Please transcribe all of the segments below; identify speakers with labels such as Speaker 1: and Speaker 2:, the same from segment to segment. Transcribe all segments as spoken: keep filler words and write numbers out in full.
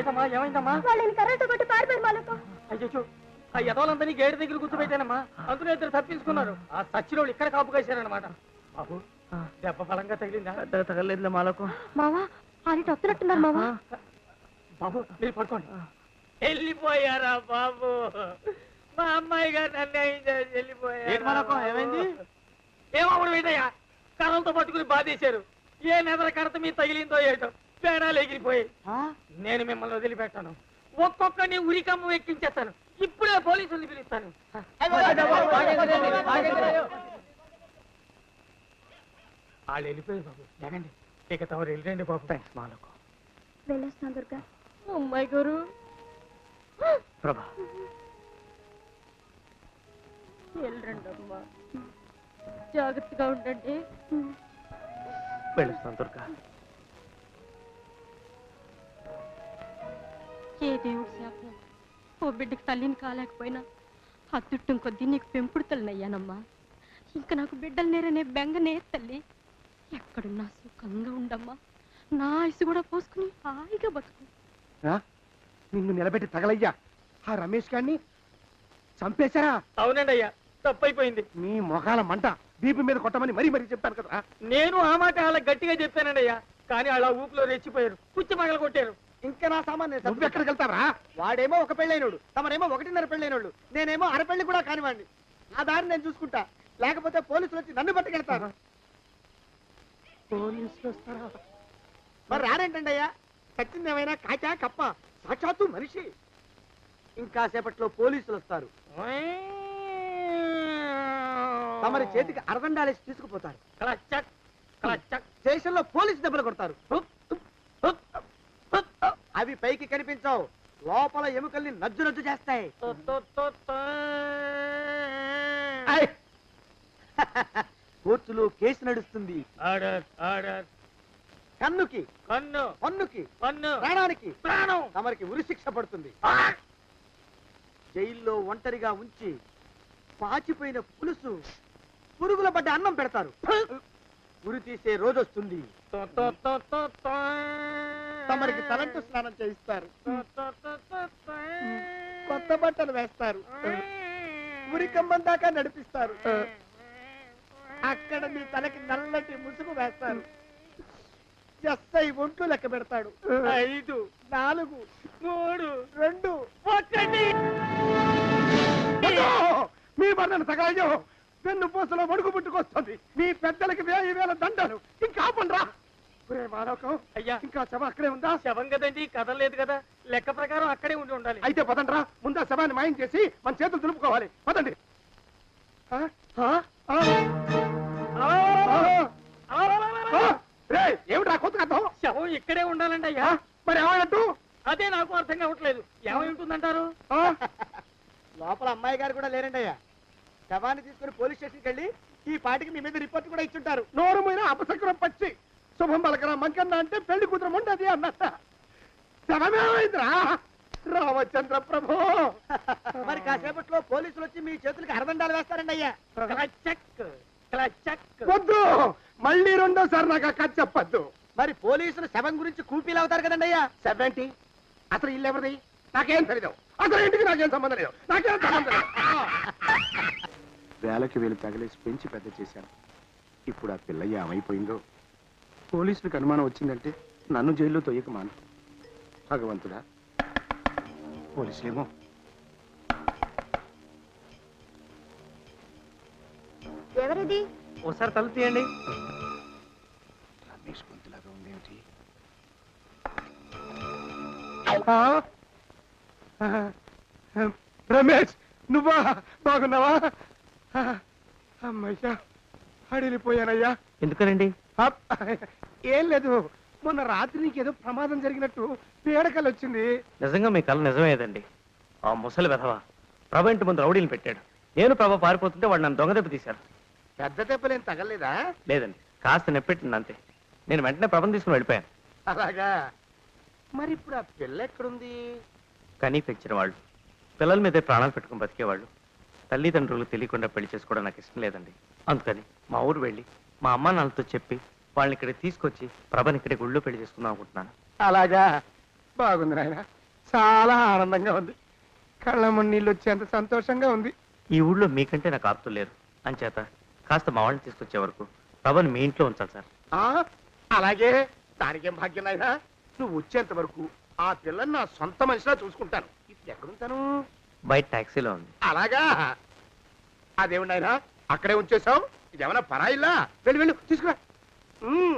Speaker 1: ఏటమ్మా ఏమైందమ్మా?
Speaker 2: వాళ్ళని కరెంటు కొట్టి పారిపోయారు మాలకు.
Speaker 1: అయ్యో ఆ యదవులందరినీ గేటు దగ్గర కూర్చోబెట్టానమ్మా. అందులో ఇద్దరు తప్పించుకున్నారు. ఆ సచ్చినోళ్ళు ఇక్కడ కాపు కాశారనమాట. బాబు దెబ్బ బలంగా తగిలిందా?
Speaker 3: పెద్దగా తగలేదులే మాలకు.
Speaker 2: మావా ఆయన వస్తున్నట్టున్నారు మావా.
Speaker 1: బాబు మీరు పడుకోండి. వెళ్ళిపోయారా బాబు? మా అమ్మాయి గారు అన్యాయం చేసి వెళ్ళిపోయారు.
Speaker 3: ఏమైంది?
Speaker 1: ఏమవుడు ఏంటయ్యా? కర్రలతో పట్టుకుని బాధేశారు. ఏ నెదర కడత మీద తగిలిందో ఏటో పేడాలు ఎగిరిపోయి. నేను మిమ్మల్ని వదిలిపెట్టాను. ఒక్కొక్కరిని ఉరికమ్మ ఎక్కించేస్తాను. ఇప్పుడే పోలీసుల్ని పిలుస్తాను. వాళ్ళు వెళ్ళిపోయారు బాబు. లేకండి ఇక తమరు వెళ్ళండి బాబు.
Speaker 3: థ్యాంక్స్ మాలకు.
Speaker 2: వెళ్ళొస్తాను దుర్గా. అమ్మాయి గారు
Speaker 3: ప్రభా
Speaker 2: వెళ్ళండి అమ్మా, జాగ్రత్తగా ఉండండి.
Speaker 3: వెళ్ళొస్తాను దుర్గా.
Speaker 2: ఏ దేవుడు శాపం ఓ బిడ్డకి తల్లిని కాలేకపోయినా అత్తుట్టం కొద్దీ నీకు పెంపుడు తల్లినయ్యానమ్మా. ఇంకా నాకు బిడ్డలు నేరనే బెంగనే తల్లి. ఎక్కడున్నా సుఖంగా ఉండమ్మా. నా ఆయుసు కూడా పోసుకుని హాయిగా బతుకు.
Speaker 4: నిన్ను నిలబెట్టి తగలయ్యా ఆ రమేష్ గారిని చంపేశారా?
Speaker 1: అవునండి అయ్యా, తప్పైపోయింది.
Speaker 4: మీ మొఖాల మంట బీపీ మీద కొట్టమని మరీ మరీ చెప్పాను కదా.
Speaker 1: నేను ఆ మాట అలా గట్టిగా చెప్పానండి అయ్యా, కానీ అలా ఊపిలో రెచ్చిపోయారు. పుచ్చి పగల కొట్టారు.
Speaker 4: ఇంకా నా సామాన్ నువ్వు ఎక్కడికి వెళ్తావరా? వాడేమో ఒక పెళ్ళైనోడు, తమరేమో ఒకటిన్నర పెళ్ళైనోళ్ళు, నేనేమో అరపెళ్ళి కూడా కానివ్వండి. ఆ దారి నేను చూసుకుంటా, లేకపోతే పోలీసులు వచ్చి నన్ను పట్టుకెళ్తారు. పోలీసులు వస్తారా? మరి రారేంటండి అయ్యా? చచ్చింది ఏమైనా కాచా కప్ప, సాక్షాత్తు మనిషి. ఇంకా సేపట్లో పోలీసులు వస్తారు. తమరి చేతికి అరదండాలేసి తీసుకుపోతారు. స్టేషన్ లో పోలీసు దెబ్బలు కొడతారు. అవి పైకి కనిపించవు, లోపల ఎముకల్ని నజ్జు నజ్జు చేస్తాయి. కోర్టులో కేసు నడుస్తుంది. కన్నుకి
Speaker 1: కన్ను,
Speaker 4: పన్నుకి
Speaker 1: పన్ను,
Speaker 4: ప్రాణానికి
Speaker 1: ప్రాణం.
Speaker 4: తమరికి ఉరి శిక్ష పడుతుంది. జైల్లో ఒంటరిగా ఉంచి పాచిపోయిన పులుసు, పురుగుల పడ్డ అన్నం పెడతారు. ఉరి తీసే రోజు వస్తుంది. తమరికి తలంటు స్నానం చేయిస్తారు. కొత్త బట్టలు వేస్తారు. ఉరి కంబం దాకా నడిపిస్తారు. అక్కడ మీ తలకి నల్లటి ముసుగు వేస్తారు. ఎస్ఐ ఒంట్లు లెక్క పెడతాడు.
Speaker 1: ఐదు,
Speaker 4: నాలుగు,
Speaker 1: మూడు,
Speaker 4: రెండు,
Speaker 1: ఒకటి.
Speaker 4: మీ బంధన తగలయ్యో, పెన్ను పూసలో మడుగు పుట్టుకొస్తుంది. మీ పెద్దలకి వేయి వేల దండలు. ఇంకా ఆపండ్రా. మానవకం
Speaker 1: అయ్యా,
Speaker 4: ఇంకా శవం అక్కడే ఉందా?
Speaker 1: శవం కదండి, కదలేదు కదా. లెక్క ప్రకారం అక్కడే ఉండి ఉండాలి.
Speaker 4: అయితే పదండ్రా, ముందా శవాన్ని మాయం చేసి మన చేతులు దులుపుకోవాలి. పదండి. ఏమిటా కొత్త కథం?
Speaker 1: శవం ఇక్కడే ఉండాలండి అయ్యా.
Speaker 4: మరి ఏమన్నట్టు?
Speaker 1: అదే నాకు అర్థం కావట్లేదు. ఏమై ఉంటుందంటారు?
Speaker 4: లోపల అమ్మాయి గారు కూడా లేరండి అయ్యా. శవాన్ని తీసుకుని పోలీస్ స్టేషన్కి వెళ్ళి ఈ పాటికి మీ మీద రిపోర్ట్ కూడా ఇచ్చుంటారు. నోరు మీద అపశకునం పచ్చి శుభం పలకరా మంకన్న అంటే పెళ్లి కూతురు ఉండదు అన్నట్ట. శవమేమైందిరా రామచంద్ర ప్రభు. మరి కాసేపట్లో పోలీసులు వచ్చి మీ చేతులకి అరదండాలు వేస్తారండి అయ్యా. వద్దు, మళ్ళీ రెండోసారి నాకు ఆ కథ చెప్పద్దు. మరి పోలీసులు శవం గురించి కూపీలు అవుతారు కదండి అయ్యా. సెవెంటీ అసలు ఇల్లు ఎవరిది? నాకేం తెలియదు. అసలు ఇంటికి నాకేం సంబంధం లేదు. నాకేం సంబంధం లేదు.
Speaker 5: వేలకి వేలు తగిలేసి పెంచి పెద్ద చేశాను. ఇప్పుడు ఆ పిల్ల ఏమైపోయిందో. పోలీసులకు అనుమానం వచ్చిందంటే నన్ను జైల్లో తొయ్యక మాను. భగవంతుడా, పోలీసులేమో.
Speaker 2: ఎవరిది?
Speaker 1: ఒకసారి తలుపు తీయండి.
Speaker 5: రమేష్ గొంతులాగా ఉందేమిటి?
Speaker 4: రమేష్, నువ్వా? బాగున్నావా? అమ్మయ్యా, అడిలిపోయానయ్యా.
Speaker 3: ఎందుకనండి?
Speaker 4: ఏం లేదు, మొన్న రాత్రి నీకేదో ప్రమాదం జరిగినట్టు పీడకలు వచ్చింది.
Speaker 3: నిజంగా మీ కళ నిజమేదండి. ఆ ముసలి వెధవ ప్రభ ఇంటి ముందు రౌడీలు పెట్టాడు. నేను ప్రభ పారిపోతుంటే వాడు నన్ను దొంగ దెబ్బ తీశాడు.
Speaker 4: పెద్ద దెబ్బలేం తగలేదా?
Speaker 3: లేదండి, కాస్త నెప్పెట్టింది అంతే. నేను వెంటనే ప్రభను తీసుకుని వెళ్ళిపోయాను.
Speaker 4: అలాగా? మరి ఇప్పుడు ఆ పిల్ల ఎక్కడుంది?
Speaker 3: కనీ పెంచిన వాళ్ళు పిల్లల మీదే ప్రాణాలు పెట్టుకుని బతికేవాళ్ళు. తల్లిదండ్రులు తెలియకుండా పెళ్లి చేసుకోవడం నాకు ఇష్టం లేదండి. అందుకని మా ఊరు వెళ్ళి మా అమ్మా నాన్నతో చెప్పి వాళ్ళని ఇక్కడ తీసుకొచ్చి ప్రభని ఇక్కడే గుళ్ళో పెళ్లి చేసుకుందాం అనుకుంటున్నాను.
Speaker 4: అలాగా?
Speaker 5: బాగుంది నాయన, చాలా ఆనందంగా ఉంది. కళ్ళమ్మ నీళ్ళు వచ్చేంత సంతోషంగా ఉంది.
Speaker 3: ఈ ఊళ్ళో మీకంటే నాకు ఆప్తులు లేరు అంచేత కాస్త మా వాళ్ళని తీసుకొచ్చే వరకు ప్రభని మీ ఇంట్లో ఉంచాలి సార్.
Speaker 5: ఆ అలాగే, దానికేం భాగ్యం నాయన. నువ్వు వచ్చేంత వరకు ఆ పిల్లని నా సొంత మనిషిలా చూసుకుంటాను. ఇప్పుడు ఎక్కడుంటాను?
Speaker 3: బయట టాక్సీలో ఉంది.
Speaker 5: అలాగా, అదేమి నాయన అక్కడే ఉంచేసావు? ఇదేమన్నా పరాయిల్లా? వెళ్ళి వెళ్ళు తీసుకురా. ఉమ్.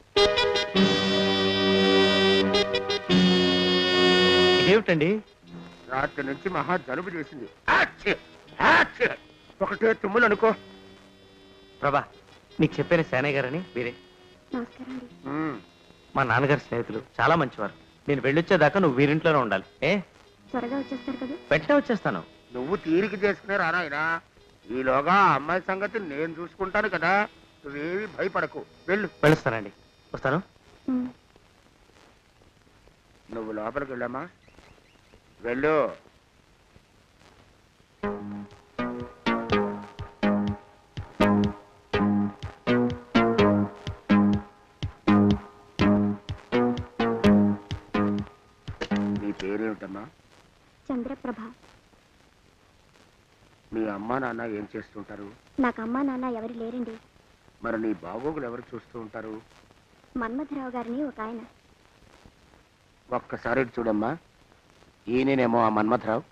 Speaker 3: ఇదేమిటండి?
Speaker 5: రాత్రి నుంచి మహా జలుబు చేసింది. ఆచ్చి! ఆచ్చి! ఒకటే తుమ్ములు అనుకో.
Speaker 3: ప్రభా, నీకు చెప్పిన సేనయ్య గారని వీరే
Speaker 2: నమస్కారం అండి.
Speaker 5: ఉమ్.
Speaker 3: మా నాన్నగారి స్నేహితులు, చాలా మంచివారు. నేను వెళ్ళొచ్చేదాకా నువ్వు వీరింట్లోనే ఉండాలి. ఏ
Speaker 2: త్వరగా వచ్చేస్తారు కదా?
Speaker 3: వెంటనే వచ్చేస్తాను.
Speaker 5: నువ్వు తీరిక చేసుకునే రానాయనా. ఈలోగా ఆ అమ్మాయి సంగతి నేను చూసుకుంటాను కదా. నువ్వేమి భయపడకు, వెళ్ళు.
Speaker 3: వెళ్ళొస్తానండి. వస్తాను.
Speaker 5: నువ్వు లోపలికి వెళ్ళామా, వెళ్ళు. నీ పేరేమిటమ్మా?
Speaker 6: చంద్రప్రభ.
Speaker 5: మీ అమ్మా నాన్న ఏం చేస్తుంటారు?
Speaker 6: నాకు అమ్మా నాన్న ఎవరు లేరండి.
Speaker 5: మరి నీ బాగోగులు ఎవరు చూస్తూ ఉంటారు?
Speaker 6: మన్మథరావు గారిని ఒక ఆయన.
Speaker 5: ఒక్కసారి ఇటు చూడమ్మా. ఈయనేమో ఆ మన్మథరావు.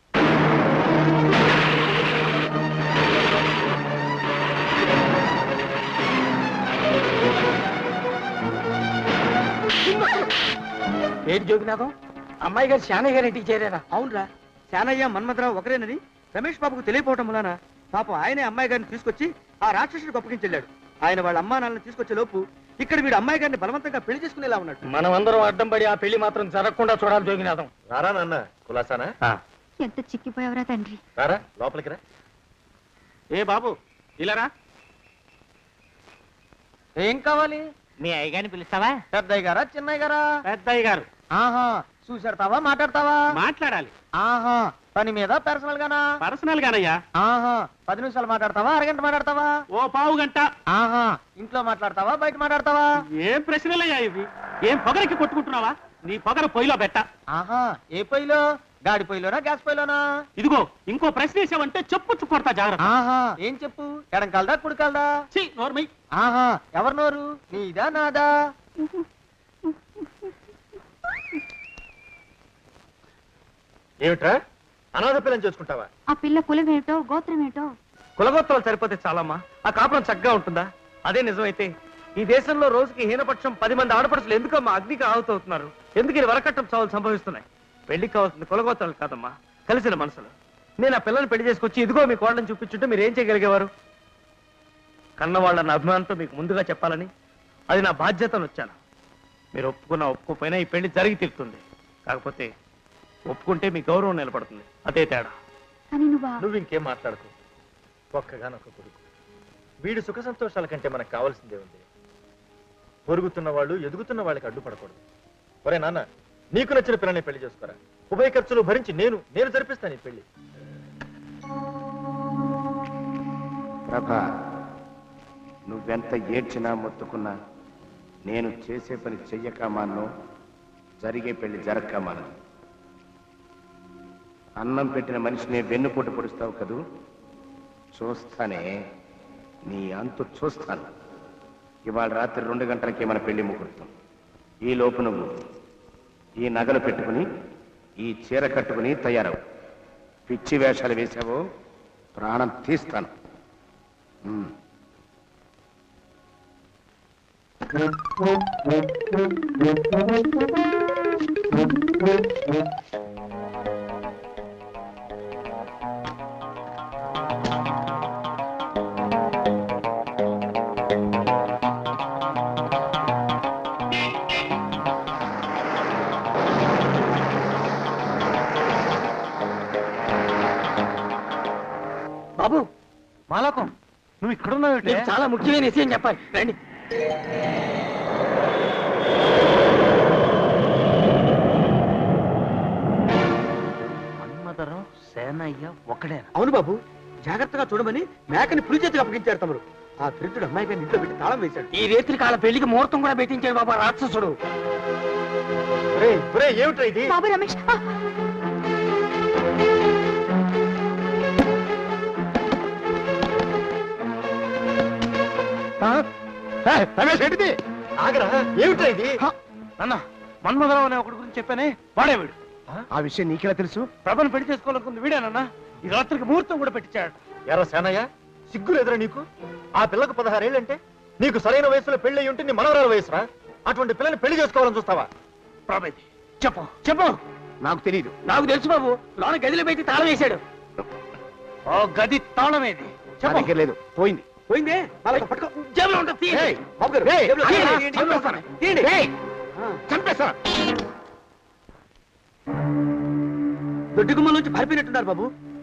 Speaker 1: ఏంటి జోగినాథం, అమ్మాయి గారు శానయ్య గారి ఇంటికి చేరారా?
Speaker 7: అవునరా, శానయ్య మన్మథరావు ఒకరేనని రమేష్ బాబుకు తెలియపోవటం వలన పాపం ఆయనే అమ్మాయి గారిని తీసుకొచ్చి ఆ రాక్షసుడికి అప్పగించెళ్ళాడు. ఆయన వాళ్ళ అమ్మా నాన్నని తీసుకొచ్చే లోపు ఇక్కడ వీడు అమ్మాయి గారిని బలవంతంగా పెళ్లి చేసుకునేలా ఉన్నాడు.
Speaker 1: మనం అందరం అడ్డం పడి ఆ పెళ్లి మాత్రం జరగకుండా చూడాలి జోగినాథం.
Speaker 8: రారా నాన్న, కులాసానా?
Speaker 3: ఆ,
Speaker 6: ఎంత చిక్కిపోయావరా తండ్రి.
Speaker 8: రారా లోపలికి రా.
Speaker 7: ఏ బాబు ఇలారా.
Speaker 1: ఏం కావాలి?
Speaker 3: మీ అయ్యగారిని పిలుస్తావా?
Speaker 1: పెద్దయ్య గారా చిన్నయ్య గారా?
Speaker 7: పెద్దయ్య గారు.
Speaker 1: ఆహా, చూసేడతావా మాట్లాడతావా?
Speaker 7: మాట్లాడాలి.
Speaker 1: ఆహా, పని మీద పర్సనల్ గానా?
Speaker 7: పర్సనల్ గానయ్యా.
Speaker 1: ఆహా, పది నిమిషాలు మాట్లాడతావా అరగంట మాట్లాడతావా?
Speaker 7: ఓ పావు గంట.
Speaker 1: ఆహా, ఇంట్లో మాట్లాడతావా బయట మాట్లాడతావా?
Speaker 7: ఏం ప్రశ్నలయ్యా ఇవి? ఏం పొగరికి కొట్టుకుంటున్నావా? నీ పొగర పొయ్యిలో పెట్ట.
Speaker 1: ఆహా, ఏ పొయ్యిలో? గాడి పొయ్యిలోనా గ్యాస్ పొయ్యిలోనా?
Speaker 7: ఇదిగో ఇంకో ప్రశ్న వేసావంటే చెప్పు కొడతా జాగ్రత్త.
Speaker 1: ఆహా, ఏం చెప్పు? ఎడం కాలదా కుడి కాలదా?
Speaker 7: ఛీ, నోర్మై.
Speaker 1: ఆహా, ఎవరు నోరు? నీదా నాదా?
Speaker 8: ఏమిట్రా, అనాథ పిల్లని చేసుకుంటావా?
Speaker 6: ఆ పిల్ల కులం ఏమిటో గోత్రం ఏమిటో?
Speaker 3: కులగోత్రాలు సరిపోతే చాలమ్మా. ఆ కాపురం చక్కగా ఉంటుందా? అదే నిజమైతే ఈ దేశంలో రోజుకి హీనపక్షం పది మంది ఆడపడుచులు ఎందుకమ్మా అగ్నికి ఆహుతవుతున్నారు? ఎందుకు ఈ వరకట్టం చావులు సంభవిస్తున్నాయి? పెళ్లికి కావాల్సింది కులగోత్రాలు కాదమ్మా, కలిసిన మనసులు. నేను ఆ పిల్లల్ని పెళ్లి చేసుకొచ్చి ఇదిగో మీ కోళ్ళని చూపించుంటే మీరు ఏం చేయగలిగేవారు? కన్నవాళ్ళన్న అభిమానంతో మీకు ముందుగా చెప్పాలని, అది నా బాధ్యతను వచ్చాను. మీరు ఒప్పుకున్నా ఒప్పుకోపోయినా ఈ పెళ్లి జరిగి తీరుతుంది. కాకపోతే ఒప్పుకుంటే మీ గౌరవం నిలబడుతుంది, అదే తేడా.
Speaker 6: కానీ నువ్వా?
Speaker 8: నువ్వు ఇంకేం మాట్లాడకు. ఒక్కగానొక్క కొడుకు, వీడి సుఖ సంతోషాల కంటే మనకు కావాల్సిందే ఉంది. పొరుగుతున్న వాళ్ళు ఎదుగుతున్న వాళ్ళకి అడ్డుపడకూడదు. ఒరే నాన్న, నీకు నచ్చిన పిల్లని పెళ్లి చేసుకోరా. ఉభయ ఖర్చులు భరించి నేను నేను జరిపిస్తాను ఈ పెళ్లి.
Speaker 5: ప్రభా, నువ్వెంత ఏడ్చినా మొత్తుకున్నా నేను చేసే పని చెయ్యక మాను, జరిగే పెళ్లి జరగక మాను. అన్నం పెట్టిన మనిషిని వెన్నుపోటు పొడుస్తావు కదూ, చూస్తానే, నీ అంతు చూస్తాను. ఇవాళ రాత్రి రెండు గంటలకే మన పెళ్లి ముహూర్తం. ఈ లోపు నువ్వు ఈ నగలు పెట్టుకుని ఈ చీర కట్టుకుని తయారవు. పిచ్చి వేషాలు వేశావో ప్రాణం తీస్తాను. ఉమ్.
Speaker 1: బాబు, మాలకం,
Speaker 3: నువ్వు ఇక్కడున్నావు?
Speaker 1: నీకు చాలా ముఖ్యమైన విషయం చెప్పాలి, రండి.
Speaker 3: మన్మథరావు సేనయ్య ఒకడేనా?
Speaker 7: అవును బాబు, జాగ్రత్తగా చూడమని మేకని పులి చేతికి అప్పగించారు తమరు. ఆ దరిద్రుడు అమ్మాయి గారిని ఇంట్లో పెట్టి తాళం వేశాడు.
Speaker 1: ఈ రేత్రి కాల పెళ్లికి ముహూర్తం కూడా పెట్టించాడు బాబా రాక్షసుడు.
Speaker 8: ఒరేయ్, ఒరేయ్, ఏమిట్రా ఇది
Speaker 6: బాబు రమేష్ ఆ!
Speaker 4: రమేష్ ఏంటిది
Speaker 8: ఆగరా ఏమిట్రా ఇది
Speaker 3: నాన్న మన్మధరావు అనే ఒకటి గురించి చెప్పానే వాడే వీడు
Speaker 4: ఆ విషయం నీకెలా తెలుసు?
Speaker 3: ప్రభను పెళ్లి చేసుకోవాలనుకుంది వీడేనన్నా ఈ రాత్రికి ముహూర్తం కూడా పెట్టించాడు.
Speaker 8: ఎరా సేనయ్య సిగ్గులు ఎదురా నీకు? ఆ పిల్లకు పదహారేళ్ళంటే నీకు సరైన వయసులో పెళ్లి అయి ఉంటే నీ మనవరాల వయసురా. అటువంటి పిల్లని పెళ్లి చేసుకోవాలని చూస్తావా?
Speaker 3: ప్రభేది చెప్పు చెప్పు.
Speaker 4: నాకు తెలియదు.
Speaker 1: నాకు తెలుసు బాబు, లోన గదిలో పెట్టి తాళం వేశాడు.
Speaker 3: ఓ గది తాళమేది
Speaker 4: నా
Speaker 3: చెప్పు.
Speaker 4: దగ్గర లేదు, పోయింది.
Speaker 7: పోయిందే వాళ్ళతో పట్టుకో.
Speaker 1: జేబులో ఉంటుంది, తీయండి.
Speaker 7: ఏయ్, బాబు గారు,
Speaker 4: ఏయ్,
Speaker 7: జేబులో
Speaker 4: తీయండి,
Speaker 7: తీయండి, తీయండి,
Speaker 4: చంపేస్తాను.
Speaker 7: తీయండి.
Speaker 4: ఏయ్,
Speaker 7: ఆ,
Speaker 4: చంపేస్తా.
Speaker 7: దొడ్డి గుమ్మల నుంచి పారిపోయినట్టున్నారు బాబు.